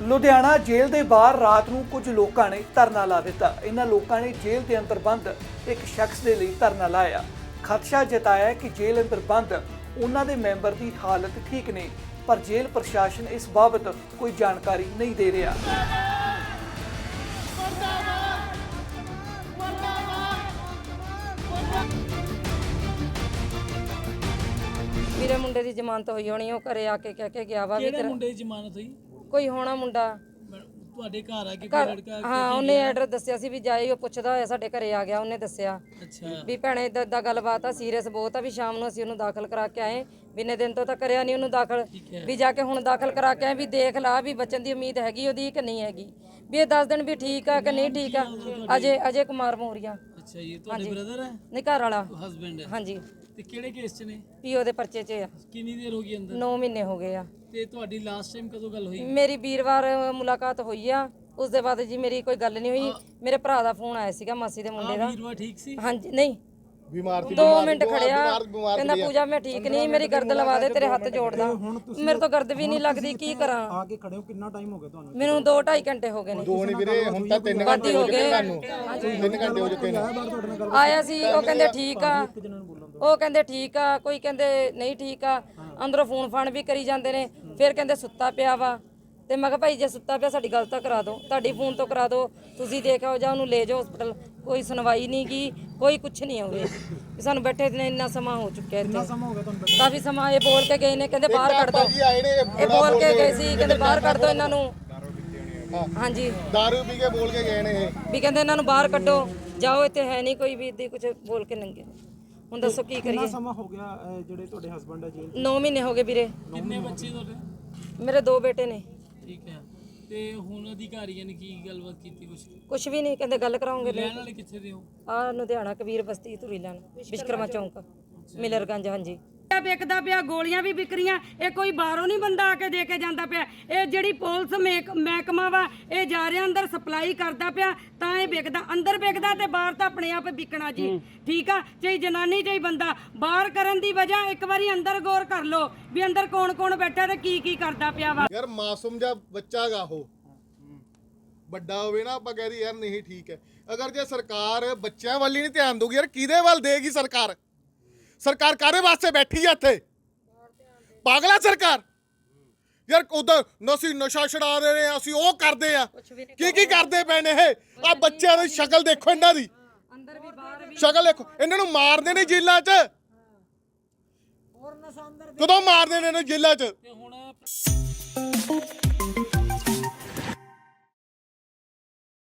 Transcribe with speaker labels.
Speaker 1: ਲੁਧਿਆਣਾ ਜੇਲ੍ਹ ਦੇ ਬਾਹਰ ਰਾਤ ਨੂੰ ਕੁਝ ਲੋਕਾਂ ਨੇ ਧਰਨਾ ਲਾ ਦਿੱਤਾ। ਇਹਨਾਂ ਲੋਕਾਂ ਨੇ ਜੇਲ੍ਹ ਦੇ ਅੰਦਰ ਬੰਦ ਇੱਕ ਸ਼ਖਸ ਦੇ ਲਈ ਧਰਨਾ ਲਾਇਆ। ਖਦਸ਼ਾ ਜਤਾਇਆ ਕਿ ਜੇਲ੍ਹ ਅੰਦਰ ਬੰਦ ਉਹਨਾਂ ਦੇ ਮੈਂਬਰ ਦੀ ਹਾਲਤ ਠੀਕ ਨਹੀਂ, ਪਰ ਜੇਲ੍ਹ ਪ੍ਰਸ਼ਾਸਨ ਇਸ ਬਾਬਤ ਕੋਈ ਜਾਣਕਾਰੀ ਨਹੀਂ ਦੇ ਰਿਹਾ।
Speaker 2: मेरे मुंडे की जमानत हुई होनी, वो घरे आके कह के गया वा।
Speaker 3: ਕਿਹੜੇ ਮੁੰਡੇ ਦੀ ਜ਼ਮਾਨਤ ਹੋਈ?
Speaker 2: कोई होना मुंडा
Speaker 3: ਤੁਹਾਡੇ ਘਰ ਆ ਕੇ ਕੋਈ ਲੜਕਾ?
Speaker 2: हाँ उन्हें एड्रेस दसिया सी भी जाए, वो पुछदा होया साडे घरे आ गया। उन्हें दसिया
Speaker 3: ਅੱਛਾ
Speaker 2: भी भैणे इदां गलबात आ, सीरियस बहुत आ, भी शाम ਨੂੰ ਅਸੀਂ ਉਹਨੂੰ ਦਾਖਲ ਕਰਾ ਕੇ ਆਏ। ਬਿਨੇ ਦਿਨ ਤੋਂ ਤਾਂ ਕਰਿਆ ਨਹੀਂ ਉਹਨੂੰ ਦਾਖਲ, ਵੀ ਜਾ ਕੇ ਹੁਣ ਦਾਖਲ ਕਰਾ ਕੇ ਆਏ ਵੀ ਦੇਖ ਲਾ ਵੀ ਬਚਣ ਦੀ ਉਮੀਦ ਹੈਗੀ ਉਹਦੀ ਕਿ ਨਹੀਂ ਹੈਗੀ, ਵੀ ਇਹ ਦੱਸ ਦਿਨ ਵੀ ਠੀਕ ਆ ਕਿ ਨਹੀਂ ਠੀਕ ਆ। ਅਜੇ ਕੁਮਾਰ ਮੋਰੀਆ।
Speaker 3: ਅੱਛਾ ਇਹ ਤੁਹਾਡੇ ਬ੍ਰਦਰ ਹੈ?
Speaker 2: ਨਹੀਂ ਘਰ ਵਾਲਾ
Speaker 3: ਹਸਬੈਂਡ ਹੈ?
Speaker 2: ਹਾਂਜੀ।
Speaker 3: ਤੇ ਕਿਹੜੇ ਕੇਸ 'ਚ ਨੇ?
Speaker 2: ਪੀਓ ਦੇ ਪਰਚੇ 'ਚ ਆ।
Speaker 3: ਕਿੰਨੀ ਦੇਰ ਹੋ ਗਈ ਅੰਦਰ?
Speaker 2: 9 ਮਹੀਨੇ ਹੋ ਗਏ ਆ।
Speaker 3: ਤੇ ਤੁਹਾਡੀ ਲਾਸਟ ਟਾਈਮ ਕਦੋਂ ਗੱਲ ਹੋਈ?
Speaker 2: ਮੇਰੀ ਵੀਰਵਾਰ ਮੁਲਾਕਾਤ ਹੋਈ ਆ, ਉਸ ਦੇ ਬਾਅਦ ਜੀ ਮੇਰੀ ਕੋਈ ਗੱਲ ਨਹੀਂ ਹੋਈ। ਮੇਰੇ ਭਰਾ ਦਾ ਫੋਨ ਆਇਆ ਸੀਗਾ, ਮਾਸੀ ਦੇ ਮੁੰਡੇ ਦਾ।
Speaker 3: ਵੀਰਵਾ ਠੀਕ ਸੀ?
Speaker 2: ਹਾਂਜੀ ਨਹੀਂ
Speaker 4: बीमार थी,
Speaker 2: 2 ਮਿੰਟ ਖੜਿਆ, ਕਹਿੰਦਾ ਪੂਜਾ ਮੈਂ ਠੀਕ ਨਹੀਂ, ਮੇਰੀ ਗਰਦ ਲਵਾ ਦੇ, ਤੇਰੇ ਹੱਥ ਜੋੜਦਾ। ਮੇਰੇ ਤੋਂ ਗਰਦ ਵੀ ਨਹੀਂ ਲੱਗਦੀ, ਕੀ ਕਰਾਂ।
Speaker 5: ਆ ਕੇ ਖੜੇ ਹੋ ਕਿੰਨਾ ਟਾਈਮ ਹੋ ਗਿਆ ਤੁਹਾਨੂੰ?
Speaker 2: ਮੈਨੂੰ 2-2.5 ਘੰਟੇ ਹੋ ਗਏ ਨੇ।
Speaker 4: ਦੋ ਨਹੀਂ ਵੀਰੇ, ਹੁਣ ਤਾਂ 3 ਘੰਟੇ ਹੋ ਗਏ ਤੁਹਾਨੂੰ। 3 ਘੰਟੇ ਹੋ ਚੁੱਕੇ ਨੇ।
Speaker 2: ਆਇਆ ਸੀ, ਉਹ ਕਹਿੰਦੇ ਠੀਕ ਆ, ਉਹ ਕਹਿੰਦੇ ਠੀਕ ਆ, ਕੋਈ ਕਹਿੰਦੇ ਨਹੀਂ ਠੀਕ ਆ। ਅੰਦਰੋਂ ਫੋਨ ਫਾਨ ਵੀ ਕਰੀ ਜਾਂਦੇ ਨੇ। ਫਿਰ ਕਹਿੰਦੇ ਸੁੱਤਾ ਪਿਆ ਵਾ। ਤੇ ਮੈਂ ਕਿਹਾ ਭਾਈ ਜੇ ਸੁੱਤਾ ਪਿਆ ਸਾਡੀ ਗੱਲ ਤਾਂ ਕਰਾ ਦਿਓ, ਤੁਹਾਡੀ ਫੋਨ ਤੋਂ ਕਰਾ ਦਿਓ, ਤੁਸੀਂ ਦੇਖ ਆਓ ਜਾਂ ਉਹਨੂੰ ਲੈ ਜਾਓ ਹਸਪਤਾਲ। ਕੋਈ ਸੁਣਵਾਈ ਨਹੀਂ ਗੀ, ਕੋਈ ਕੁਛ ਨਹੀਂ ਹੋਵੇ। ਸਾਨੂੰ ਬੈਠੇ ਨੇ ਇੰਨਾ ਸਮਾਂ ਹੋ ਚੁੱਕਿਆ ਇੱਥੇ, ਕਾਫੀ ਸਮਾਂ। ਇਹ ਬੋਲ ਕੇ ਗਏ ਨੇ, ਕਹਿੰਦੇ ਬਾਹਰ ਕੱਢ ਦਿਓ। ਇਹ ਬੋਲ ਕੇ ਗਏ ਸੀ, ਕਹਿੰਦੇ ਬਾਹਰ ਕੱਢ ਦਿਓ ਇਹਨਾਂ ਨੂੰ। ਹਾਂਜੀ
Speaker 4: दारू पी के बोल के गए ने
Speaker 2: ਵੀ ਕਹਿੰਦੇ ਇਹਨਾਂ ਨੂੰ ਬਾਹਰ ਕੱਢੋ, ਜਾਓ, ਇੱਥੇ ਹੈ ਨਹੀਂ ਕੋਈ ਵੀ। ਇੱਦਾਂ ਕੁਝ ਬੋਲ ਕੇ ਲੰਘੇ। ਹੁਣ ਦੱਸੋ ਕੀ
Speaker 5: ਕਿੰਨਾ
Speaker 2: ਕਰੀਏ।
Speaker 5: ਸਮਾਂ ਹੋ ਗਿਆ ਜਿਹੜੇ ਤੁਹਾਡੇ ਹਸਬੰਡ ਹੈ ਜੇਲ੍ਹ?
Speaker 2: 9 ਮਹੀਨੇ ਹੋ ਗਏ ਵੀਰੇ।
Speaker 3: ਕਿੰਨੇ ਬੱਚੇ ਤੁਹਾਡੇ?
Speaker 2: ਮੇਰੇ 2 ਬੇਟੇ ਨੇ।
Speaker 3: ਠੀਕ ਹੈ। ਤੇ ਹੁਣ ਅਧਿਕਾਰੀਆਂ ਨੇ ਕੀ ਗੱਲਬਾਤ ਕੀਤੀ?
Speaker 2: ਕੁਛ ਵੀ ਨਹੀਂ, ਕਹਿੰਦੇ ਗੱਲ ਕਰਾਉਂਗੇ।
Speaker 3: ਰਹਿਣ ਵਾਲੇ ਕਿੱਥੇ ਦੇ ਹੋ?
Speaker 2: ਆ ਲੁਧਿਆਣਾ ਕਬੀਰ ਬਸਤੀ ਧੂਰੀ ਲੈਣ ਵਿਸ਼ਕਰਮਾ ਚੌਂਕ ਮਿਲਰਗੰਜ। ਹਾਂਜੀ
Speaker 6: ਵਿਕਦਾ ਪਿਆ, ਗੋਲੀਆਂ ਵੀ ਵਿਕ ਰਹੀਆਂ। ਇਹ ਕੋਈ ਬਾਹਰੋਂ ਨਹੀਂ ਬੰਦਾ ਆ ਕੇ ਦੇ ਕੇ ਜਾਂਦਾ ਪਿਆ। ਇਹ ਜਿਹੜੀ ਪੁਲਿਸ ਮਹਿਕਮਾ ਵਾ, ਇਹ ਜਾ ਰਿਹਾ ਅੰਦਰ ਸਪਲਾਈ ਕਰਦਾ ਪਿਆ, ਤਾਂ ਇਹ ਵਿਕਦਾ। ਅੰਦਰ ਵਿਕਦਾ ਤੇ ਬਾਹਰ ਤਾਂ ਆਪਣੇ ਆਪ ਵਿਕਣਾ ਜੀ। ਠੀਕ ਆ, ਚਾਹੇ ਜਨਾਨੀ ਚਾਹੇ ਬੰਦਾ। ਬਾਹਰ ਕਰਨ ਦੀ ਵਜ੍ਹਾ ਇੱਕ ਵਾਰੀ ਅੰਦਰ ਗੌਰ ਕਰ ਲਓ ਵੀ ਅੰਦਰ ਕੌਣ ਕੌਣ ਬੈਠਾ ਤੇ ਕੀ ਕਰਦਾ ਪਿਆ ਵਾ।
Speaker 4: ਯਾਰ ਮਾਸੂਮ ਜਿਹਾ ਬੱਚਾ ਗਾ ਉਹ, ਵੱਡਾ ਹੋਵੇ ਨਾ ਆਪਾਂ ਕਹਿ ਦੀ ਯਾਰ ਨਹੀਂ ਠੀਕ ਹੈ। ਅਗਰ ਜੇ ਸਰਕਾਰ ਬੱਚਿਆਂ ਵੱਲ ਹੀ ਨਹੀਂ ਧਿਆਨ ਦਊਗੀ, ਯਾਰ ਕਿਹਦੇ ਵੱਲ ਦੇਗੀ ਸਰਕਾਰ? ਸਰਕਾਰ ਕਾਹਦੇ ਵਾਸਤੇ ਬੈਠੀ ਆ ਇੱਥੇ? ਪਾਗਲਾ ਸਰਕਾਰ ਯਾਰ। ਉਧਰ ਅਸੀਂ ਨਸ਼ਾ ਛਡਾ ਰਹੇ ਨੇ, ਅਸੀਂ ਉਹ ਕਰਦੇ ਆ, ਕੀ ਕਰਦੇ ਪਏ ਨੇ ਇਹ। ਆ ਬੱਚਿਆਂ ਦੀ ਸ਼ਕਲ ਦੇਖੋ, ਇਹਨਾਂ ਦੀ ਸ਼ਕਲ ਦੇਖੋ। ਇਹਨਾਂ ਨੂੰ ਮਾਰਦੇ ਨੇ ਜੇਲ੍ਹਾਂ 'ਚ। ਕਦੋਂ ਮਾਰਦੇ ਨੇ ਇਹਨੂੰ ਜੇਲ੍ਹਾਂ 'ਚ?
Speaker 3: ਤੇ ਹੁਣ